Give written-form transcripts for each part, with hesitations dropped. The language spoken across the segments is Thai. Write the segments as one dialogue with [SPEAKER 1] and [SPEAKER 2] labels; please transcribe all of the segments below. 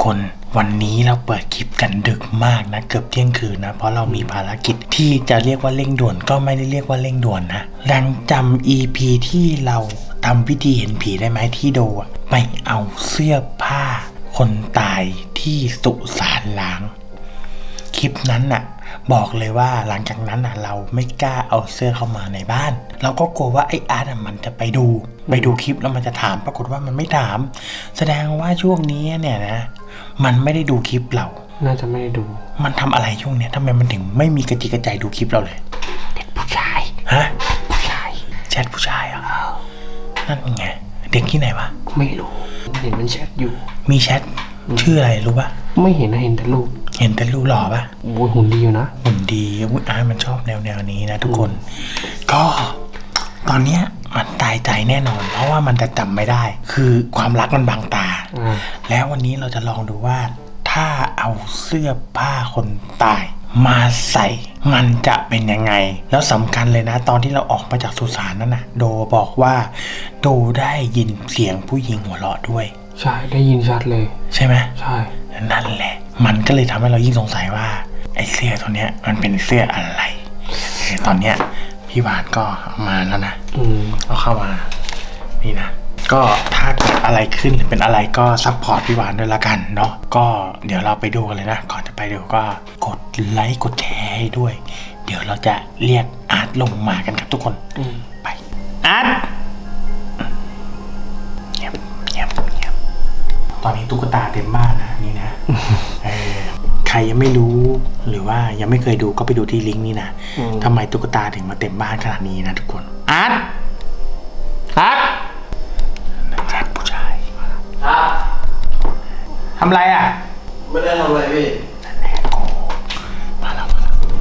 [SPEAKER 1] คนวันนี้เราเปิดคลิปกันดึกมากนะเกือบเที่ยงคืนนะเพราะเรามีภารกิจที่จะเรียกว่าเร่งด่วนก็ไม่ได้เรียกว่าเร่งด่วนนะยังจำ EP ที่เราทำพิธีเห็นผีได้ไหมที่โดไปเอาเสื้อผ้าคนตายที่สุสานล้างคลิปนั้นน่ะบอกเลยว่าหลังจากนั้นน่ะเราไม่กล้าเอาเสื้อเข้ามาในบ้านเราก็กลัวว่าไอ้อาร์ตมันจะไปดูคลิปแล้วมันจะถามปรากฏว่ามันไม่ถามแสดงว่าช่วงนี้เนี่ยนะมันไม่ได้ดูคลิปเรา
[SPEAKER 2] น่าจะไม่ได้ดู
[SPEAKER 1] มันทำอะไรช่วงเนี้ยทำไมมันถึงไม่มีกระจิกกระใจดูคลิปเราเลย
[SPEAKER 2] เด็กผู้ชาย
[SPEAKER 1] ฮะผู้ชายแชทผู้ชายอ่ะนั่นไงเด็กที่ไหนวะ
[SPEAKER 2] ไม่รู้เห็นมันแชทอยู่
[SPEAKER 1] มีแชทชื่ออะไรรู้ป่ะ
[SPEAKER 2] ไม่เห็นนะเห็นแต่รูป
[SPEAKER 1] หล่อป่ะ
[SPEAKER 2] โอ้ยหุ่นดีอยู่นะ
[SPEAKER 1] หุ่นดีอาร์ตมันชอบแนวนี้นะทุกคนก็ตอนเนี้ยมันตายใจแน่นอนเพราะว่ามันจะจำไม่ได้คือความรักมันบังตาแล้ววันนี้เราจะลองดูว่าถ้าเอาเสื้อผ้าคนตายมาใส่มันจะเป็นยังไงแล้วสำคัญเลยนะตอนที่เราออกมาจากสุสานนั่นนะโดบอกว่าโดได้ยินเสียงผู้หญิงหัวเราะด้วย
[SPEAKER 2] ใช่ได้ยินชัดเลย
[SPEAKER 1] ใช่ไหม
[SPEAKER 2] ใช่
[SPEAKER 1] นั่นแหละมันก็เลยทำให้เรายิ่งสงสัยว่าไอ้เสื้อตัวเนี้ยมันเป็นเสื้ออะไรตอนเนี้ยพี่หวานก็เอามาแล้วนะเอาเข้ามานี่นะก็ถ้าเกิดอะไรขึ้นหรือเป็นอะไรก็ซัพพอร์ตพี่หวานด้วยละกันเนาะก็เดี๋ยวเราไปดูกันเลยนะก่อนจะไปดูก็กดไลค์กดแชร์ให้ด้วยเดี๋ยวเราจะเรียกอาร์ตลงมากันครับทุกคนไปอาร์ตเงียบตอนนี้ตุ๊กตาเต็มบ้านนะนี่นะใครยังไม่รู้หรือว่ายังไม่เคยดูก็ไปดูที่ลิงก์นี้นะทำไมตุ๊กตาถึงมาเต็มบ้านขนาดนี้นะทุกคนอาร์ตแชทผู้ชาย
[SPEAKER 3] ครับ
[SPEAKER 1] ทำไรอ่ะ
[SPEAKER 3] ไม่ได้ทำอะไรพี่
[SPEAKER 1] แน่โกมาแล้ว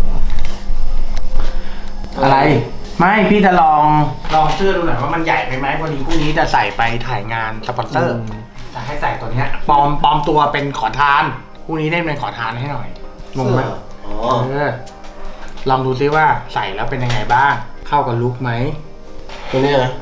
[SPEAKER 1] อะไรไม่พี่จะลองเสื้อดูหน่อยว่ามันใหญ่ไปไหมพอดีพรุ่งนี้จะใส่ไปถ่ายงานสปอนเซอร์จะให้ใส่ตัวเนี้ยปลอมตัวเป็นขอทานพรุ่งนี้ได้เป็นขอทานให้หน่อยงงไหมลองดูซิว่าใส่แล้วเป็นยังไงบ้างเข้ากับลุคไหม
[SPEAKER 3] ตัวนี้นะ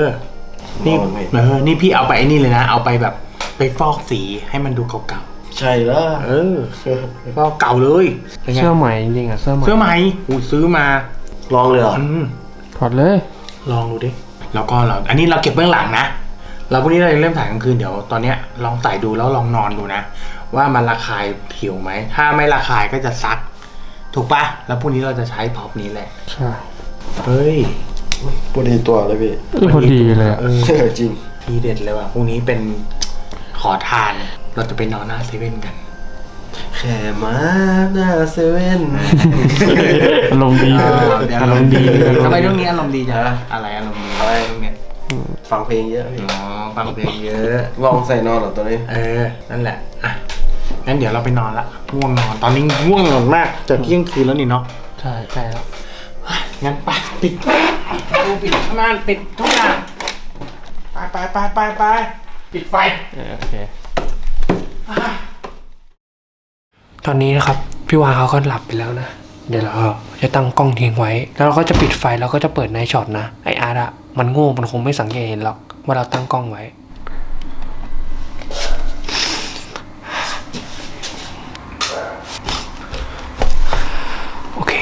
[SPEAKER 1] นี่พี่เอาไปไอ้นี่เลยนะเอาไปแบบไปฟอกสีให้มันดูเก่า
[SPEAKER 3] ๆใช่แล้ว
[SPEAKER 1] ไปฟอกเก่าเลย
[SPEAKER 2] เสื้อใหม่จริงๆอ่ะเสื้อใหม่
[SPEAKER 1] ซื้อมา
[SPEAKER 3] ลองเลยเหรอ
[SPEAKER 2] ถอดเลย
[SPEAKER 1] ลองดูดิแล้วก็อันนี้เราเก็บเบื้องหลังนะเราพรุ่งนี้เราเริ่มถ่ายกลางคืนเดี๋ยวตอนเนี้ยลองใส่ดูแล้วลองนอนดูนะว่ามันระคายผิวไหมถ้าไม่ระคายก็จะซักถูกปะแล้วพรุ่งนี้เราจะใช้พ็อปนี้แหละ
[SPEAKER 2] ใช่
[SPEAKER 1] เฮ้ย
[SPEAKER 3] พอดีตัวเลยพี่
[SPEAKER 2] พอดีเลย
[SPEAKER 3] จริง
[SPEAKER 1] ทีเด็ดเลยว่ะพรุ่งนี้เป็นขอทานเราจะไปนอนหน้าเซเว่นกัน
[SPEAKER 3] แค่มาหน้าเซเว่น
[SPEAKER 2] อารมณ์ดี
[SPEAKER 1] อารมณ์ดีทำไมเรื่องนี้อารมณ์ดีจังอะไรอารมณ์ดีอะไรตรงเนี้ย
[SPEAKER 3] ฟังเพลงเยอะ
[SPEAKER 1] ฟังเพลงเยอะ
[SPEAKER 3] ลองใส่นอนเหรอตัวนี้
[SPEAKER 1] นั่นแหละอ่ะงั้นเดี๋ยวเราไปนอนละง่วงนอนตอนนี้ง่วงนอนมากจะเที่ยงคืนแล้วนี่เนาะ
[SPEAKER 2] ใช่แล้ว
[SPEAKER 1] งั้นไปปิดม่านปิดทุกอย่างไปปิดไฟ
[SPEAKER 2] โอเคตอนนี้นะครับพี่วาเขาก็หลับไปแล้วนะเดี๋ยวเราจะตั้งกล้องทิ้งไว้แล้วเราก็จะปิดไฟแล้วก็จะเปิดไนท์ช็อตนะไออาร์ตอะมันโง่มันคงไม่สังเกตเห็นหรอกว่าเราตั้งกล้องไว้โอเค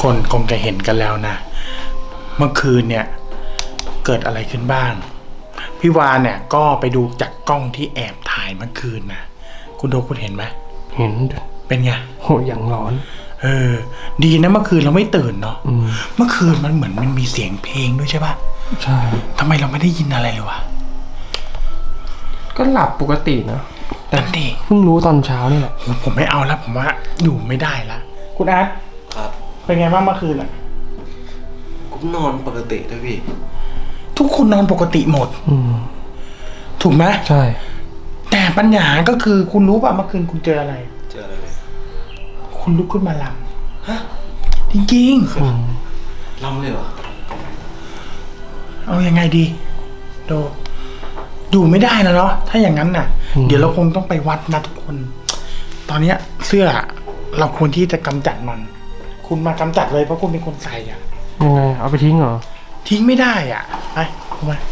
[SPEAKER 1] คนคงจะเห็นกันแล้วนะ เมื่อคืนเนี่ยเกิดอะไรขึ้นบ้าง พี่วานเนี่ยก็ไปดูจากกล้องที่แอบถ่ายเมื่อคืนนะคุณโดคุณเห็นไหม
[SPEAKER 2] เห็น
[SPEAKER 1] เป็นไง
[SPEAKER 2] โหอย่างร้อน
[SPEAKER 1] ดีนะเมื่อคืนเราไม่ตื่นเนาะ
[SPEAKER 2] อืม
[SPEAKER 1] เมื่อคืนมันเหมือนมันมีเสียงเพลงด้วยใช่ปะ
[SPEAKER 2] ใช่
[SPEAKER 1] ทำไมเราไม่ได้ยินอะไรเลยวะ
[SPEAKER 2] ก็หลับปกตินะแต่
[SPEAKER 1] นั่นดิ
[SPEAKER 2] เพิ่งรู้ตอนเช้านี่แหละ
[SPEAKER 1] ผมไม่เอาแล้วผมว่าอยู่ไม่ได้ละคุณอาร์ต
[SPEAKER 3] ครับ
[SPEAKER 1] เป็นไงบ้างเมื่อคืนอ่ะ
[SPEAKER 3] กูนอนปกติด้วยพี่
[SPEAKER 1] ทุกคนนอนปกติหมด
[SPEAKER 2] อืม
[SPEAKER 1] ถูกไหม
[SPEAKER 2] ใช่
[SPEAKER 1] แต่ปัญหาก็คือคุณรู้ป่ะเมื่อคืนคุณเจออะไร
[SPEAKER 3] เจออะไรเลย
[SPEAKER 1] คุณลุกขึ้นมาลำฮะจริง
[SPEAKER 2] อืม
[SPEAKER 3] ลำเลยเหรอ
[SPEAKER 1] ๆ เอายังไงดีโดอยู่ไม่ได้แล้วเนาะถ้าอย่างนั้นน่ะ เดี๋ยวเราคงต้องไปวัดนะทุกคน ตอนเนี้ยเสื้อเราควรที่จะกำจัดมัน คุณมากำจัดเลยเพราะคุณเป็นคนใส่อ่ะ
[SPEAKER 2] ยังไงเอาไปทิ้งเหรอ
[SPEAKER 1] ทิ้งไม่ได้อ่ะไปคุณมา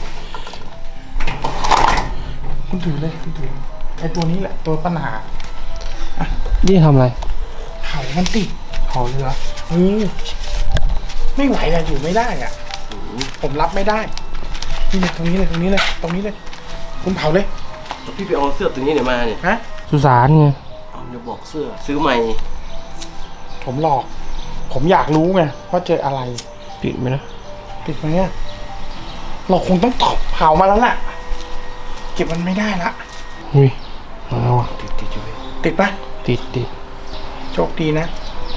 [SPEAKER 1] คุณถือเลยคุณถือไอ้ตัวนี้แหละตัวปัญหา
[SPEAKER 2] นี่ทำอะไร
[SPEAKER 1] เผามันติ
[SPEAKER 2] เผาเลยเหรอ
[SPEAKER 1] ไม่ไหวอะอยู่ไม่ได้อ่ะผมรับไม่ได้นี่เลยตรงนี้เลยตรงนี้เลยตรงนี้เลย คุณเผาเลย
[SPEAKER 3] พี่ไปเอาเสื้อตัวนี้เดี๋ยวมาเนี่ย
[SPEAKER 1] ฮะ
[SPEAKER 2] สุสานไง
[SPEAKER 3] เอาเดี๋ยวบอกเสื้อ ซื้อใหม่
[SPEAKER 1] ผมหลอก ผมอยากรู้ไงว่าเจออะไร
[SPEAKER 2] ปิดไหมนะ
[SPEAKER 1] ติดไหมเนี่ยเราคงต้องตอบเผามาแล้วแหละเก็บมันไม่ได้ละ
[SPEAKER 2] อุ้ยมาแล้วอ่ะ
[SPEAKER 3] ติดอยู่พี่
[SPEAKER 1] ติดปะ
[SPEAKER 2] ติด
[SPEAKER 1] โชคดีนะ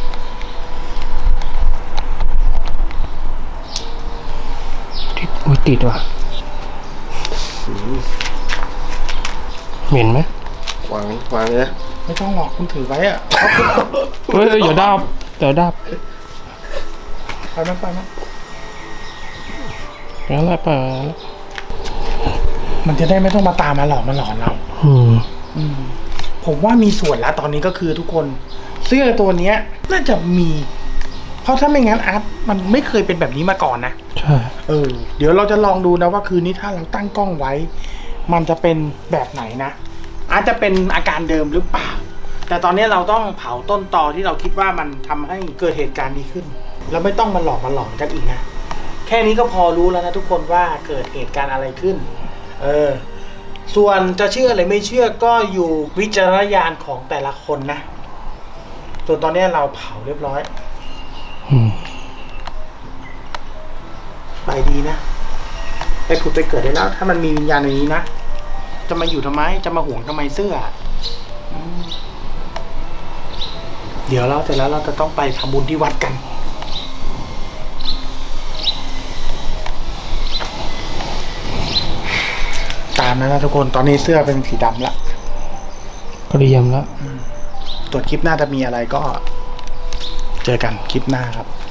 [SPEAKER 2] ติดอุ้ยติดว่ะเหม็นไหม
[SPEAKER 3] วางเลยนะ
[SPEAKER 1] ไม่ต้องหลอกคุณถือไว้อะ
[SPEAKER 2] เฮ้ยอย่าดับ
[SPEAKER 1] ไปมั้ยไปมั้ย
[SPEAKER 2] งั้นแหละไปแล้ว
[SPEAKER 1] มันจะได้ไม่ต้องมาตามมาหลอกมาหลอนเรา ผมว่ามีส่วนแล้วตอนนี้ก็คือทุกคนเสื้อตัวเนี้ย น่าจะมี เพราะถ้าไม่งั้นอาร์ตมันไม่เคยเป็นแบบนี้มาก่อนนะ
[SPEAKER 2] ใช่
[SPEAKER 1] เดี๋ยวเราจะลองดูนะว่าคืนนี้ถ้าเราตั้งกล้องไว้ มันจะเป็นแบบไหนนะ อาจจะเป็นอาการเดิมหรือเปล่า แต่ตอนนี้เราต้องเผาต้นตอที่เราคิดว่ามันทำให้เกิดเหตุการณ์นี้ขึ้น แล้วไม่ต้องมาหลอกมาหลอนกันอีกนะ แค่นี้ก็พอรู้แล้วนะทุกคนว่าเกิดเหตุการณ์อะไรขึ้น ส่วนจะเชื่อหรือไม่เชื่อก็อยู่วิจารณญาณของแต่ละคนนะ ส่วนตอนนี้เราเผาเรียบร้อย ไปดีนะ ไปผุดไปเกิดได้แล้ว ถ้ามันมีวิญญาณในนี้นะ จะมาอยู่ทำไม จะมาห่วงทำไมเสื้อเดี๋ยวเราเสร็จแล้วเราจะต้องไปทำบุญที่วัดกัน ตามนั้นนะทุกคน ตอนนี้เสื้อเป็นสีดำละ
[SPEAKER 2] ก็เรียมแล้ว
[SPEAKER 1] ตรวจคลิปหน้าจะมีอะไรก็ เจอกันคลิปหน้าครับ